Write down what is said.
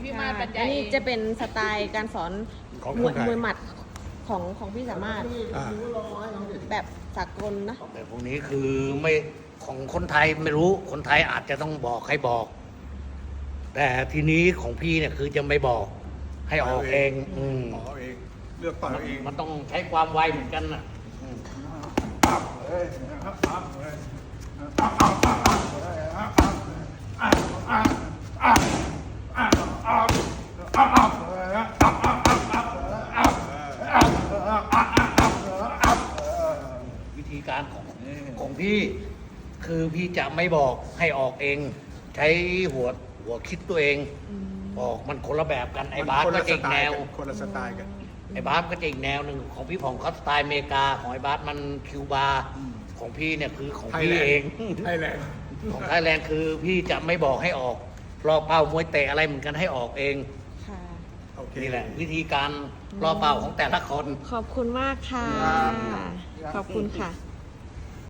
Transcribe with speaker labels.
Speaker 1: พี่มาศบรรยาย
Speaker 2: อันนี้จะเป็นสไตล์การสอน
Speaker 3: ของ
Speaker 2: ม
Speaker 3: ค
Speaker 2: วย
Speaker 3: นไทย
Speaker 2: มวยหมัดของพี่สามารถ
Speaker 3: อ่า
Speaker 2: แบบสากลนะ
Speaker 4: แต่พวกนี้คือไม่ของคนไทยไม่รู้คนไทยอาจจะต้องบอกให้บอก แต่ทีนี้ของพี่เนี่ยคือจะไม่บอกให้ออกเอง
Speaker 3: ออกเองเลือกต่อยเอาเอง
Speaker 4: มันต้องใช้ความไวเหมือนกันนะ วิธีการของพี่คือพี่จะไม่บอกให้ออกเอง ใช้หัวคิดตัวเองออกมันคนละแบบกันไอ้บาสก็จะอีกแนว
Speaker 3: คนละสไตล์กัน
Speaker 4: ไอ้บาสก็จะอีกแนวหนึ่งของพี่ผ่องเขาสไตล์อเมริกาของไอ้บาสมันคิวบาของพี่เนี่ยคือของพี่เอง
Speaker 3: ไทยแลนด์
Speaker 4: ของไทยแลนด์คือพี่จะไม่บอกให้ออกรอเป้ามวยเตะอะไรเหมือนกันให้ออกเอง
Speaker 2: ค่ะ
Speaker 3: โอเค
Speaker 4: นี่แหละวิธีการรอเป้าของแต่ละคน
Speaker 2: ขอบคุณมากค่ะ ขอบคุณค่ะ